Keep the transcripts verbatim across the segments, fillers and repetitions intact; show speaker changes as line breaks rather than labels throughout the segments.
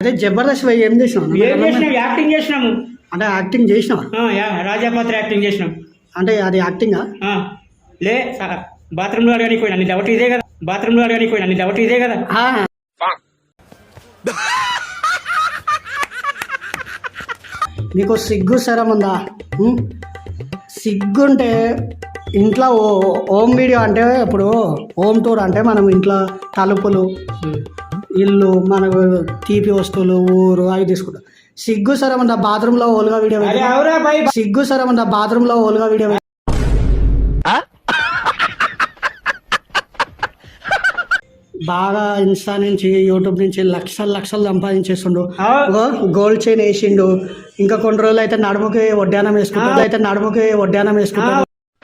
అయితే జబర్దస్త్ పోయి ఏం చేసినావు?
ఏం చేసినాం? యాక్టింగ్ చేసినాము.
అంటే యాక్టింగ్ చేసినావా?
రాజాపాత్ర యాక్టింగ్ చేసినాం.
అంటే అది యాక్టింగా?
లే బాత్రూంలో అడగడానికి పోయినా నీ డౌట్ ఇదే కదా. బాత్రూంలో అడగడానికి పోయినా నీ డౌట్ ఇదే కదా.
నీకు సిగ్గు శరం ఉందా? సిగ్గుంటే ఇంట్లో హోమ్ వీడియో అంటే ఇప్పుడు హోమ్ టూర్ అంటే మనం ఇంట్లో తలుపులు, ఇల్లు, మనకు తీపి వస్తువులు, ఊరు అవి తీసుకుంటాం. సిగ్గు శరం ఉందా బాత్రూంలో ఓలుగా వీడియో? సిగ్గు శరం ఉందా బాత్రూంలో ఓలుగా వీడియో? బాగా ఇన్స్టా నుంచి యూట్యూబ్ నుంచి లక్షలు లక్షలు సంపాదించేస్తుండు. గోల్డ్ చైన్ వేసిండు. ఇంకా కొన్ని రోజులు అయితే నడుముకి వడ్డానం వేసుకుంటాడు. అయితే నడుముకి వడ్డానం వేసుకుంటాడు.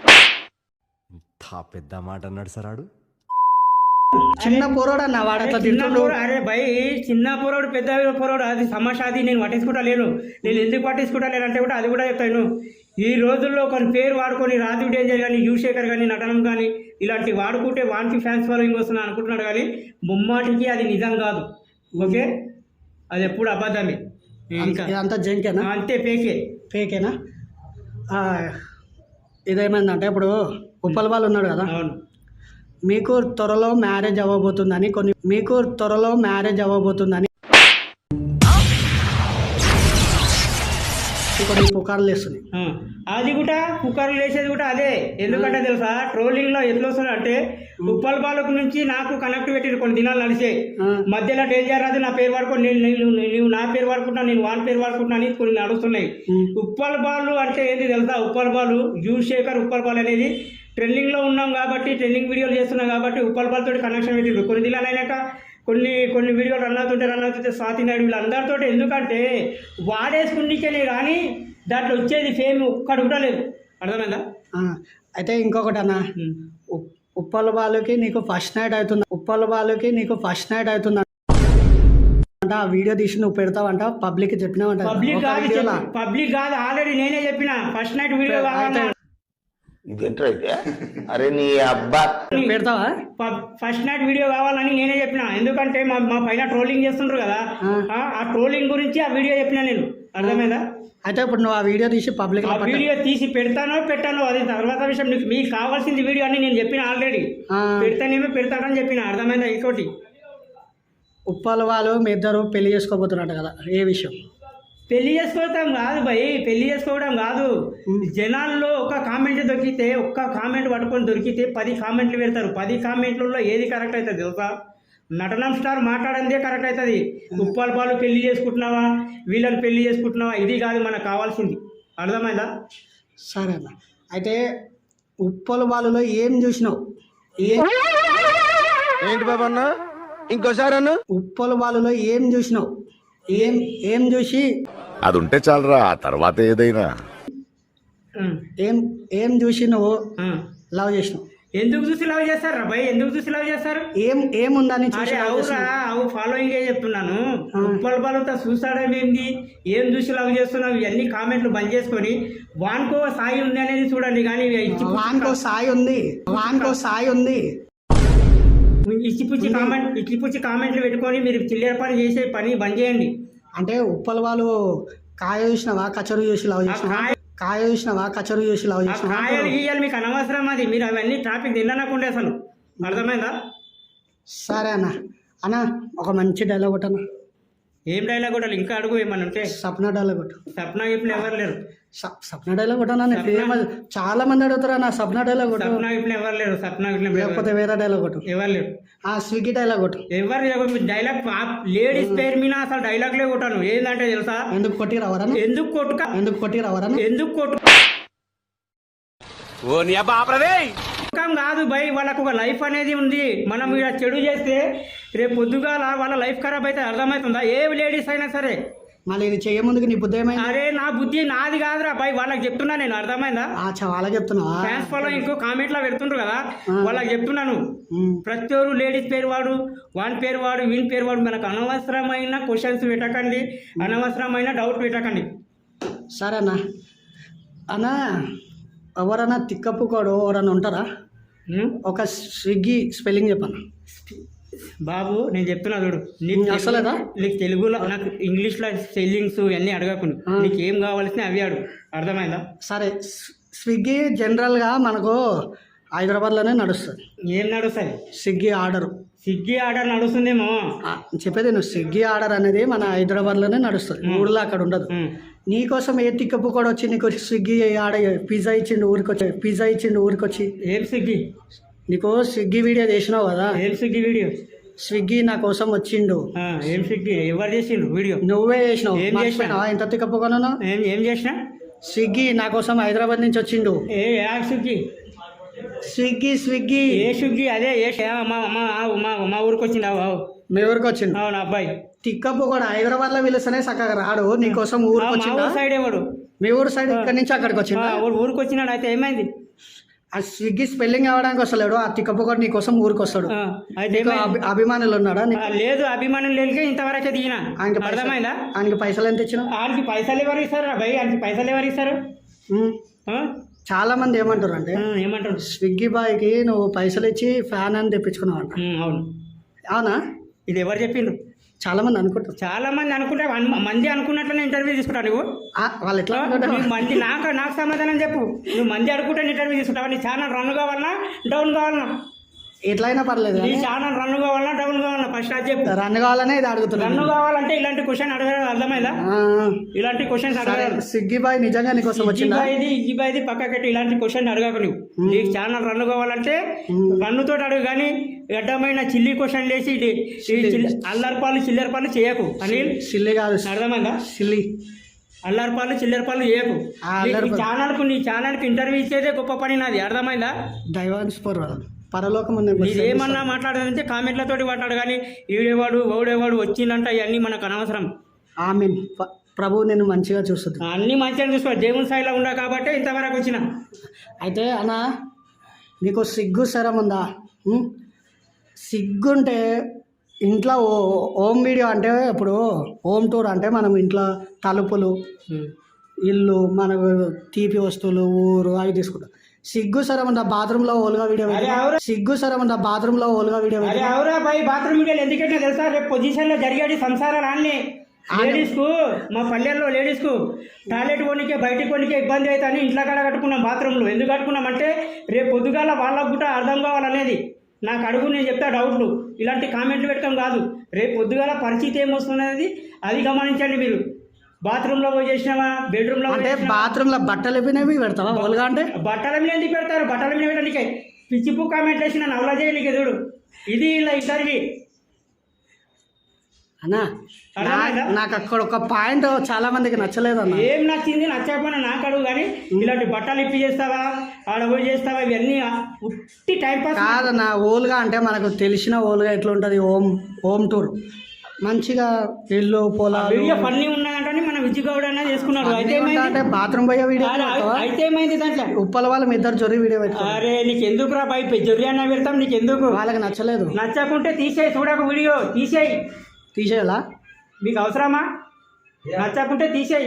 పెద్ద మాట అన్నాడు సరాడు.
చిన్న పోరాడు అన్న వాడు అట్లా తింటుండు.
అరే భయ్ చిన్న పోరాడు పెద్ద పోరాడు అది సమస్య. అది నేను పట్టించుకుంటా లేను. నేను ఎందుకు పట్టించుకుంటా లేను అంటే కూడా అది కూడా చెప్తాను. ఈ రోజుల్లో కొన్ని పేరు వాడుకొని రాజు డేంజర్ కానీ, యువశేఖర్ కానీ, నటనం కానీ ఇలాంటి వాడుకుంటే వానికి ఫ్యాన్స్ ఫాలోయింగ్ వస్తున్నా అనుకుంటున్నాడు. కానీ ముమ్మాటికి అది నిజం కాదు. ఓకే, అది ఎప్పుడు అబద్ధమే.
అంతా జంకేనా?
అంతే, పేకే
పేకేనా? ఇదేమైందంటే ఇప్పుడు ఉప్పల్ వాళ్ళు ఉన్నాడు కదా, మీకు త్వరలో మ్యారేజ్ అవ్వబోతుందని కొన్ని మీకు త్వరలో మ్యారేజ్ అవ్వబోతుందని కొన్ని పుకార్లు వేస్తున్నాయి.
అది కూడా పుకార్లు వేసేది కూడా అదే. ఎందుకంటే తెలుసా, ట్రోలింగ్ లో ఎట్లా వస్తుంది అంటే ఉప్పల్ బాలకు నుంచి నాకు కనెక్ట్ పెట్టిరు కొన్ని దినాలు నడిచే. మధ్యలో డేంజర్ రాదు నా పేరు వాడుకొని నేను నువ్వు నా పేరు వాడుకుంటున్నా, నేను వాన్ పేరు వాడుకుంటున్నా అని కొన్ని నడుస్తున్నాయి. ఉప్పల్ బాలు అంటే ఏంటి తెలుసా? ఉప్పల్ బాలు యువశేఖర్ ఉప్పల్ బాల్ అనేది ట్రెండింగ్ లో ఉన్నాం కాబట్టి, ట్రెండింగ్ వీడియోలు చేస్తున్నాం కాబట్టి ఉప్పల్ బాల్ తోటి కనెక్షన్ పెట్టిరు. కొన్ని దినాలు అయినాక కొన్ని కొన్ని వీడియోలు రన్ అవుతుంటే రన్ అవుతుంటే స్వాతి నాయుడు వీళ్ళందరితో, ఎందుకంటే వాడేసుకుండికేనే కానీ దాంట్లో వచ్చేది ఫేమ్ ఒక్కడు కూడా లేదు. అర్థమైందా?
అయితే ఇంకొకటి అన్న, ఉప్పల్ బాలుకి నీకు ఫస్ట్ నైట్ అవుతుంది. ఉప్పల్ బాలుకి నీకు ఫస్ట్ నైట్ అవుతుంది అంటే ఆ వీడియో తీసి నువ్వు పెడతావంట, పబ్లిక్ చెప్పినావంట.
పబ్లిక్ కాదు, పబ్లిక్ కాదు, ఆల్రెడీ నేనే చెప్పిన ఫస్ట్ నైట్ వీడియో కావాలన్నా.
ఇదేంటైతే అరే నీ అబ్బా
పెడతావా?
ఫస్ట్ నైట్ వీడియో కావాలని నేనే చెప్పిన. ఎందుకంటే మా మా పైన ట్రోలింగ్ చేస్తుండ్రు కదా, ఆ ట్రోలింగ్ గురించి ఆ వీడియో చెప్పిన నేను. అర్థమైందా?
అయితే ఇప్పుడు నువ్వు ఆ వీడియో తీసి పబ్లిక్
ఆ వీడియో తీసి పెడతానో పెట్టానో అది తర్వాత విషయం. నీకు మీకు కావాల్సింది వీడియో అని నేను చెప్పిన ఆల్రెడీ. పెడతానేమో పెడతానని చెప్పిన. అర్థమైందా? ఇంకోటి,
ఉప్పల్ వాళ్ళు మీ ఇద్దరు పెళ్లి చేసుకోబోతున్నట్టు కదా, ఏ విషయం?
పెళ్లి చేసుకోవడం కాదు భయ్, పెళ్లి చేసుకోవడం కాదు. జనాల్లో ఒక కామెంట్ దొరికితే, ఒక్క కామెంట్ పట్టుకొని దొరికితే పది కామెంట్లు పెడతారు. పది కామెంట్లలో ఏది కరెక్ట్ అవుతుంది తెలుసా? నటనం స్టార్ మాట్లాడందే కరెక్ట్ అవుతుంది. ఉప్పల్ బాలు పెళ్లి చేసుకుంటున్నావా, వీళ్ళని పెళ్లి చేసుకుంటున్నావా, ఇది కాదు మనకు కావాల్సింది. అర్థమైందా?
సరే అన్న. అయితే ఉప్పల్ బాలులో ఏం చూసినావు?
ఏంటి బాబా అన్న ఇంకోసారి అన్న
ఉప్పల్ బాలులో ఏం చూసినావు? ఏం ఏం చూసి
అది ఉంటే చాలరా, ఆ తర్వాత ఏదైనా.
ఏం ఏం చూసి నువ్వు లవ్ చేసినావు?
ఎందుకు చూసి లవ్ చేస్తారు రా భయ్? ఎందుకు చూసి లవ్ చేస్తారు?
ఏం ఏముందని చూసి?
అవురా, అవు ఫాలోయింగ్ చెప్తున్నాను. ఉప్పల్ బాలుతో చూసాడేమేంది, ఏం చూసి లవ్ చేస్తున్నావు, ఇవన్నీ కామెంట్లు బంద్ చేసుకొని వాన్కో సాయి ఉంది అనేది చూడండి. కానీ
వాన్కో సాయి ఉంది, వాన్కో సాయి ఉంది
ఇచ్చిపుచ్చి కామెంట్ ఇచ్చిపుచ్చి కామెంట్లు పెట్టుకొని మీరు చిల్లర పని చేసే పని బంద్ చేయండి.
అంటే ఉప్పల్ వాళ్ళు కాయ చూసినావా, కచరు చూసి లవ్ చేసినావా? కాయ చూసినావా, కచరు చూసి లవ్ చేసినావా?
కాయలు గీయాలి మీకు అనవసరం. అది మీరు అవన్నీ ట్రాఫిక్ తినకుండా అసలు. అర్థమైందా?
సరే అన్న. అన్న ఒక మంచి డైలాగ్ కొట్టు అన్న.
ఏం డైలాగ్ కొట్టాలి? ఇంకా అడుగు ఏమన్నా ఉంటే.
సప్న డైలాగ్ కొట్టు.
సప్న ఇప్పుడు ఎవరు లేరు.
సప్న డైలాగ్ కొట్టనా? చాలా మంది అడుగుతారా నా సప్న డైలాగ్ కొట్టు.
సప్న ఇప్పుడు ఎవరు లేరు. సప్న
లేకపోతే వేరే డైలాగ్ కొట్టు.
ఎవరు లేరు.
ఆ స్విగ్గీ డైలాగ్ కొట్టు.
ఎవరు డైలాగ్ లేడీస్ పేరు మీద అసలు డైలాగ్లే కొట్టాను. ఏంటంటే తెలుసా?
ఎందుకు కొట్టి రావరా?
ఎందుకు కొట్టుక
ఎందుకు కొట్టి రావరా? ఎందుకు
కొట్టు కాదు భయ్. వాళ్ళకు ఒక లైఫ్ అనేది ఉంది. మనం ఇలా చెడు చేస్తే రేపు పొద్దుగాల వాళ్ళ లైఫ్ ఖరాబ్ అయితే అర్థమవుతుందా? ఏ లేడీస్ అయినా సరే.
మళ్ళీ ఇది చేయ ముందుకు నీ బుద్ధి ఏమైంది?
అరే నా బుద్ధి నాది కాదురా భయ్, వాళ్ళకి చెప్తున్నా నేను. అర్థమైందా?
వాళ్ళకి చెప్తున్నావా?
ఫ్యాన్స్ ఫాలో ఇంకో కామెంట్లో పెడుతుండ్రు కదా, వాళ్ళకి చెప్తున్నాను. ప్రతి ఒక్కరు లేడీస్ పేరు వాడు, వాని పేరు వాడు, వీని పేరు వాడు. మనకు అనవసరమైన క్వశ్చన్స్ పెట్టకండి, అనవసరమైన డౌట్ పెట్టకండి.
సరే అన్న. అన్న ఎవరన్నా తిక్కప్పుకోడు ఎవరన్నా ఉంటారా? ఒక స్విగ్గీ స్పెల్లింగ్ చెప్పన్నా.
బాబు నేను చెప్తున్నా చూడు నీకు
నీకు
తెలుగు-
అసలేదా?
నీకు తెలుగులో నాకు ఇంగ్లీష్లో స్పెల్లింగ్స్ ఇవన్నీ అడగకుండా నీకు ఏం కావాల్సిన అవి అడుగు అర్థమైందా?
సరే స్- స్విగ్గీ జనరల్గా మనకు హైదరాబాద్లోనే నడుస్తుంది.
ఏం నడుస్తుంది?
స్విగ్గీ ఆర్డర్
స్విగ్గీ ఆర్డర్ నడుస్తుందేమో.
చెప్పేది నువ్వు స్విగ్గీ ఆర్డర్ అనేది మన హైదరాబాద్లోనే నడుస్తుంది, ఊళ్ళో అక్కడ ఉండదు.
ఉమ్.
నీకోసం ఏ తిక్కప్పు కూడా వచ్చి నీకు స్విగ్గీ ఆడ పిజ్జా ఇచ్చిండు ఊరికొచ్చి పిజ్జా ఇచ్చిండు ఊరికొచ్చి
ఏం స్విగ్గీ?
నీకు స్విగ్గీ వీడియో చేసినావు కదా,
ఏం స్విగ్గీ వీడియో?
స్విగ్గీ నా కోసం వచ్చిండు.
ఆ, ఏం స్విగ్గీ? ఎవరు చేసిండ్రు వీడియో?
నువ్వే చేసినావు.
ఏం చేసినా?
మర్చిపోయినావా ఎంత తిక్కప్పు కొనను?
ఏం ఏం చేసినా?
స్విగ్గీ నా కోసం హైదరాబాద్ నుంచి వచ్చిండు.
ఏ యా స్విగ్గీ?
స్విగ్గీ స్విగ్గీ
ఏ స్విగ్గీ? అదే ఏ ష- మా మా మా మా ఊరికి వచ్చింది.
మీ ఊరికి వచ్చిండు.
అవును అబ్బాయి.
తిక్కప్పు కూడా హైదరాబాద్ లో పిలుస్తేనే చక్కగా రాడు, నీకోసం
ఆ,
ఊరికి
మా
వచ్చిండా?
ఊరు సైడ్ ఎవడు?
మీ ఊరు సైడ్ ఇక్కడి నుంచి అక్కడికి వచ్చిందా?
ఆ, ఊరు- ఊరికి వచ్చినాడు. అయితే ఏమైంది?
ఆ స్విగ్గీ స్పెల్లింగ్ అవ్వడానికి వస్తలేడు, ఆ తిక్కప్పు కూడా నీకోసం ఊరికి వస్తాడు.
ఆ, అయితే
నీకు
ఏమైంది?
అభి- అభిమానులు ఉన్నాడా నీకు?
ఆ, లేదు అభిమానం లేనికే ఇంతవరకే దిగిన.
ఆయనకి పైసలు-
అర్థమైందా?
ఆయనకి పైసలు ఎంత ఇచ్చినావు?
ఆయనకి పైసలు ఎవరు ఇస్తారు భయ్? ఆయనకి పైసలు ఎవరు ఇస్తారు?
ఉమ్.
ఆ?
చాలా మంది ఏమంటారు అంటే
ఆ, ఏమంటారు?
స్విగ్గీ బాయ్కి నువ్వు పైసలు ఇచ్చి ఫ్యాన్ అని తెప్పించుకున్నావు అంట.
ఉమ్, అవును.
అవునా?
ఇది ఎవరు చెప్పిండ్రు?
చాలా మంది అనుకుంటారు.
చాలా మంది అనుకుంటే వన్- మంది అనుకున్నట్లనే ఇంటర్వ్యూ తీసుకుంటావు నువ్వు.
ఆ, వాళ్ళు ఎట్లా
ఆ,
అనుకుంటారు?
నువ్వు మంది నాకు నాకు సమాధానం చెప్పు. నువ్వు మంది అనుకుంటే ఇంటర్వ్యూ తీసుకుంటావా? నీ ఛానల్ రన్ కావాలన్నా డౌన్ కావాలన్నా?
ఎట్లయినా పర్లేదు
నీ
కానీ
ఛానల్ రన్ కావాలన్నా డౌన్ కావాలన్నా? ఫస్ట్ అది చెప్పు.
రన్ కావాలనే ఇది
రన్
అడుగుతున్నాను.
కావాలంటే ఇలాంటి క్వశ్చన్ అడగడం అర్థమైందా?
ఆ,
ఇలాంటి క్వశ్చన్స్
సరే
అడగాలి.
స్విగ్గీ బాయ్ నిజంగా నీకోసం వచ్చిందా?
ఇజ్జిబాయిది ఇజ్జిబాయిది పక్కకెట్టి ఇలాంటి క్వశ్చన్ అడగకు నువ్వు. నీకు ఛానల్ రన్ కావాలంటే రన్ను తోటి అడుగు, కానీ అడ్డమైన చిల్లి క్వశ్చన్ లేసి ఇది ఈ చిల్లి- అల్లరి పాలు చిల్లర పాలు చేయకు అనిల్.
సిల్లి కాదు,
అర్థమైందా?
సిల్లి.
అల్లరి పాలు చిల్లర పాలు చేయకు.
ఆ, అల్లరి
నీ
పాలు.
ఛానల్కు నీ ఛానల్కి ఇంటర్వ్యూ ఇచ్చేదే గొప్ప పని నాది. అర్థమైందా?
దైవాన్స్ పర్ పరలోకం ఉంది.
నీది ఏమన్నా మాట్లాడదంటే కామెంట్లతోటి మాట్లాడు, కానీ ఈడేవాడు ఓడేవాడు వచ్చిందంట ఇవన్నీ మనకు అనవసరం.
ఆమీన్. ప- ప్రభు నేను మంచిగా చూస్తుంది.
అన్నీ మంచిగా చూసుకో. దేవుని స్థాయిలో ఉన్నా కాబట్టి ఇంతవరకు వచ్చిన.
అయితే అన్న నీకు సిగ్గు శరం ఉందా? ఉం? సిగ్గుంటే ఇంట్లో ఓ హోమ్ వీడియో అంటే ఇప్పుడు హోమ్ టూర్ అంటే మనం ఇంట్లో తలుపులు, ఇల్లు, మనకు తీపి వస్తువులు, ఊరు అవి తీసుకుంటాం. సిగ్గు సరం ఉందా బాత్రూంలో ఓలుగా వీడియో
అరే
పెట్టి?
అవురా.
సిగ్గు సరం ఉందా బాత్రూంలో ఓలుగా వీడియో
అరే
పెట్టి?
అవురా బాయ్, బాత్రూమ్ వీడియోలు ఎందుకంటే తెలుసా? రేపు పొజిషన్ లో జరిగేది సంసారాలు అన్నీ లేడీస్ కు, మా పల్లెల్లో లేడీస్ కు టాయిలెట్ కొనికే బయటికి కొనికే ఇబ్బంది అవుతాయని ఇంట్లో కాడ కట్టుకున్నాం బాత్రూంలో. ఎందుకు కట్టుకున్నాం అంటే రేపు పొద్దుగాల వాళ్ళకు కూడా అర్థం కావాలనేది. నాకు అడుగు, నేను చెప్తా డౌట్లు. ఇలాంటి కామెంట్లు పెట్టడం కాదు. రేపు పొద్దుగాల పరిస్థితి ఏమొస్తున్నది అది గమనించండి మీరు. బాత్రూంలో పోయి చేసినావా, బెడ్రూమ్లో
అంటే బాత్రూంలో బట్టలు ఎప్పినవి పెడతావా ఓలుగా అంటే?
బట్టల మీద ఎందుకు పెడతారు? బట్టల మీద పెట్టడానికి పిచ్చిపు కామెంట్లు వేసి నన్ను అవలా చేయడానికి ఎదుడు. ఇది ఇలా ఇంటర్వ్యూ.
అన్నా
అర్థమైందా?
నాకు అక్కడ ఒక పాయింట్ చాలా మందికి నచ్చలేదు అన్న.
ఏం నచ్చింది నచ్చకపోయినా నాకు అడుగు, కానీ ఇలాంటి బట్టలు ఇప్పి చేస్తావా, ఆడ పోయి చేస్తావా, ఇవన్నీ ఉట్టి టైం పాస్.
కాదన్న, ఓలుగా అంటే మనకు తెలిసిన ఓలుగా ఎట్లుంటుంది, హోమ్ హోమ్ టూర్ మంచిగా ఇల్లు పొలాలు
వీడియో ఫన్నీ ఉన్నదంటే మన విజయగౌడ్ అనేది చేసుకున్నాడు. అయితే
అంటే
ఏమైంది?
బాత్రూమ్ పోయే వీడియో
అరే, అయితే ఏమైంది దాంట్లో?
ఉప్పల వాళ్ళ మీ ఇద్దరు జొరి వీడియో పెట్టుకో.
అరే నీకు ఎందుకు రా బై జొర్రి అన్న పెడతాం, నీకు ఎందుకు?
వాళ్ళకి నచ్చలేదు,
నచ్చకుంటే తీసేయి, చూడక వీడియో తీసేయి.
తీసేయాలా?
మీకు అవసరమా? నచ్చకుంటే తీసేయి.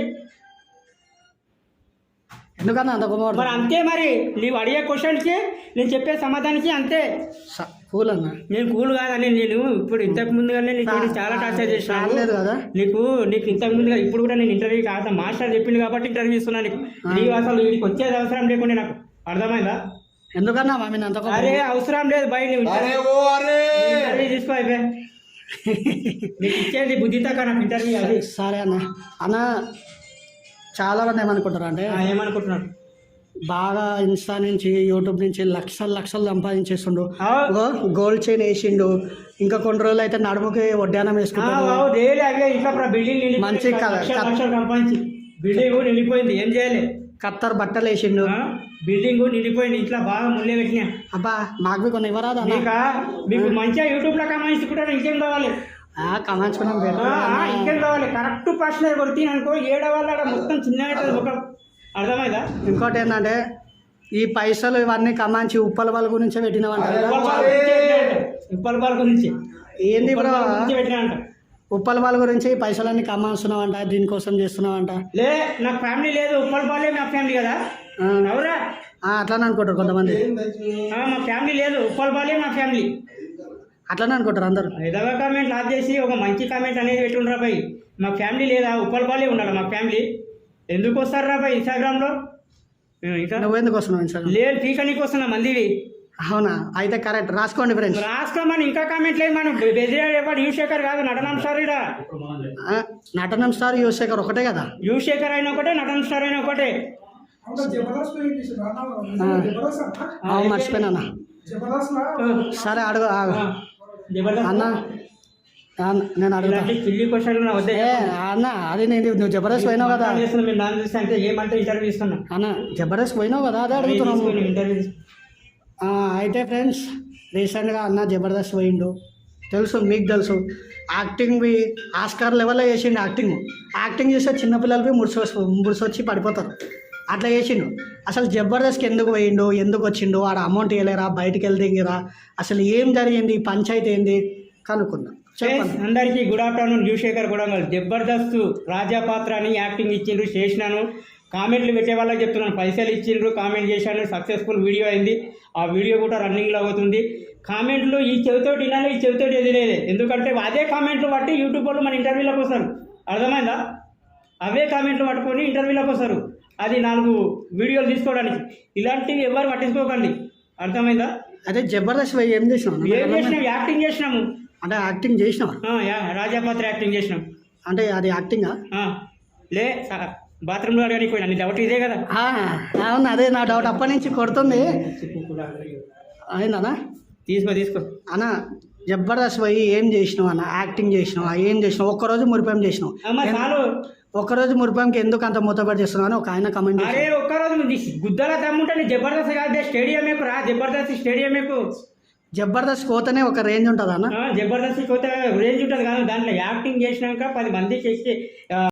ఎందుకన్నా అంత
మరి
కుమార్
అంతే, మరి నీవు అడిగే క్వశ్చన్కి నేను చెప్పే సమాధానానికి అంతే.
కూల్ అన్న.
నేను కూల్ కాదని నేను ఇప్పుడు ఇంతకు ముందుగానే నీకు చాలా టార్చర్ చేసినాను
లేదు కదా
నీకు. నీకు ఇంతకు ముందుగా ఇప్పుడు కూడా నేను ఇంటర్వ్యూ కాదు, మాస్టర్ చెప్పింది కాబట్టి ఇంటర్వ్యూ ఇస్తున్నాను నీకు. నీవు అసలు వీడికి వచ్చేది అవసరం లేకుండా నాకు. అర్థమైందా?
ఎందుకన్నా మా మీద అంత కోపం?
అరే అవసరం లేదు బయట ఇంటర్వ్యూ తీసుకో అయిపోయి. నీకు ఇచ్చేది బుద్ధితో నాకు ఇంటర్వ్యూ అది.
సరే అన్న. అన్న చాలా మంది ఏమనుకుంటారు అంటే
ఆ, ఏమనుకుంటున్నాడు?
బాగా ఇన్స్టా నుంచి యూట్యూబ్ నుంచి లక్షలు లక్షలు సంపాదించేస్తుండు,
అవు.
గోల్డ్ చైన్ వేసిండు, ఇంకా కొన్ని రోజులు అయితే నడుముకి వడ్డానం వేసుకుంటాడు.
డైలీ అవే ఇంట్లో బిల్డింగ్
మంచి కల-
లక్షలు సంపాదించి బిల్డింగ్ నిండిపోయింది, ఏం చేయాలి?
కత్తర్ బట్టలు వేసిండు.
ఆ, బిల్డింగ్ నిండిపోయింది, ఇంట్లో బాగా ముళ్ళే పెట్టినా.
అబ్బా మాకు కొన్ని ఇవ్వరాదు అన్న.
మీకా మీకు మంచిగా యూట్యూబ్ లో కమాయించుకుంటారు, ఇంకేం కావాలి?
కమాంచుకున్నాం
ఆ, ఆ, ఇంకేం కావాలి? కరెక్ట్ ప్రశ్న కొడుతుంది అనుకో, ఏడో వాళ్ళ మొత్తం చిన్నగా ఒక. అర్థమైందా?
ఇంకోటి ఏంటంటే ఈ పైసలు ఇవన్నీ కమాంచి ఉప్పల వాళ్ళ గురించే పెట్టినావంట కదా?
ఉప్పల బాల గురించి
ఏంది బ్రో,
పెట్టినా.
ఉప్పల వాళ్ళ గురించి ఈ పైసలన్నీ కమాస్తున్నావంట, దీనికోసం చేస్తున్నావంట.
లే, నాకు ఫ్యామిలీ లేదు, ఉప్పల బాలే నా ఫ్యామిలీ కదా.
ఆ,
అవురా?
ఆ, అట్లానే అనుకుంటారు కొంతమంది.
ఆ, మా ఫ్యామిలీ లేదు, ఉప్పల బాలే మా ఫ్యామిలీ.
అట్లనే అనుకుంటారు అందరు.
ఎదవ కామెంట్ లాక్ చేసి ఒక మంచి కామెంట్ అనేది పెట్టుండ్రా భయ్. మా ఫ్యామిలీ లేదా ఉప్పలపాలే ఉండాలి మా ఫ్యామిలీ. ఎందుకు వస్తారు రా భయ్ ఇన్స్టాగ్రామ్లో? ఇంకా
నువ్వు ఎందుకు వస్తున్నావు ఇన్స్టాగ్రామ్?
లేదు పీకనీకి వస్తున్నా మందివి.
అవునా? అయితే కరెక్ట్, రాసుకోండి ఫ్రెండ్స్.
రాసుకోమని ఇంకా కామెంట్ లేదు. మనం బెదిరాడు యువశేఖర్ కాదు నటనం స్టార్ ఇడా.
నటనం స్టార్ యువశేఖర్ ఒకటే కదా?
యువశేఖర్ అయినా ఒకటే, నటనం స్టార్ అయినా ఒకటే.
అవును మర్చిపోయినా. సరే అడుగు ఆగు. అన్న అన్న, నేను అడుగుతా.
కిల్లి క్వశ్చన్ వద్దే
ఏ అన్న, అది నేను నువ్వు జబర్దస్త్ పోయినావు కదా
మీరు దాని చూస్తే అంటే ఏమంటే ఇంటర్వ్యూ ఇస్తున్నా
అన్న, జబర్దస్త్ పోయినావు కదా అదే అడుగుతున్నాము.
ఇంటర్వ్యూ
ఆ, అయితే ఫ్రెండ్స్ రీసెంట్గా అన్న జబర్దస్త్ పోయిండు, తెలుసు మీకు తెలుసు. యాక్టింగ్ బి ఆస్కార్ లెవెల్లో చేసిండు. యాక్టింగ్ యాక్టింగ్ చేస్తే చిన్నపిల్లలకి ముడిసి ముడిసొచ్చి పడిపోతారు, అట్లా చేసిండు. అసలు జబర్దస్త్కి ఎందుకు పోయిండు, ఎందుకు వచ్చిండు, ఆడ అమౌంట్ ఇవ్వలేరా, బయటికి వెళ్తేరా, అసలు ఏం జరిగింది, పంచాయతీ ఏంది కనుక్కుందాం. చెప్పండి.
అందరికీ గుడ్ ఆఫ్టర్నూన్. యువశేఖర్ కూడా జబర్దస్త్ రాజా పాత్ర అని యాక్టింగ్ ఇచ్చిండ్రు, చేసినాను. కామెంట్లు పెట్టే వాళ్ళకి చెప్తున్నాను, పైసలు ఇచ్చిండ్రు, కామెంట్ చేశాను, సక్సెస్ఫుల్ వీడియో అయింది. ఆ వీడియో కూడా రన్నింగ్లో అవుతుంది. కామెంట్లు ఈ చెవితోటి వినాలి, ఈ చెవితోటి ఎదిలేదు. ఎందుకంటే అదే కామెంట్లు బట్టి యూట్యూబ్ వాళ్ళు మన ఇంటర్వ్యూలోకి వస్తారు. అర్థమైందా? అవే కామెంట్లు పట్టుకొని ఇంటర్వ్యూలోకి వస్తారు. అది నాలుగు వీడియోలు తీసుకోవడానికి. ఇలాంటివి ఎవరు పట్టించుకోకండి. అర్థమైందా?
అదే జబర్దస్త్ పోయి ఏం చేసినావు?
ఏం చేసినాం? యాక్టింగ్ చేసినాము.
అంటే యాక్టింగ్ చేసినావా?
రాజాపాత్ర యాక్టింగ్ చేసినాం.
అంటే అది యాక్టింగా?
లే బాత్రూంలో అడగడానికి పోయినా. నీ డౌట్ ఇదే కదా?
అవును, అదే నా డౌట్. అప్పటి నుంచి కొడుతుంది. అయిందనా?
తీసుకో తీసుకో
అన్న, జబర్దస్త్ పోయి ఏం చేసినావు అన్న? యాక్టింగ్ చేసినావా? ఏం చేసినావు? ఒక్కరోజు మురిపాం చేసినావు.
చాలు.
ఒక్కరోజు మురిపాంకి ఎందుకు అంత మూతపడి చేస్తున్నావు అని ఒక ఆయన కమెంట్
అరే ఒక్కరోజు గుద్దల దమ్ముంటే జబర్దస్త్ కాదు, స్టేడియం ఎక్కువ రా. జబర్దస్త్ స్టేడియం ఎక్కువ.
జబర్దస్త్ పోతేనే ఒక రేంజ్ ఉంటుంది అన్న.
జబర్దస్త్ పోతే రేంజ్ ఉంటుంది కానీ దాంట్లో యాక్టింగ్ చేసినాక పది మంది చేసి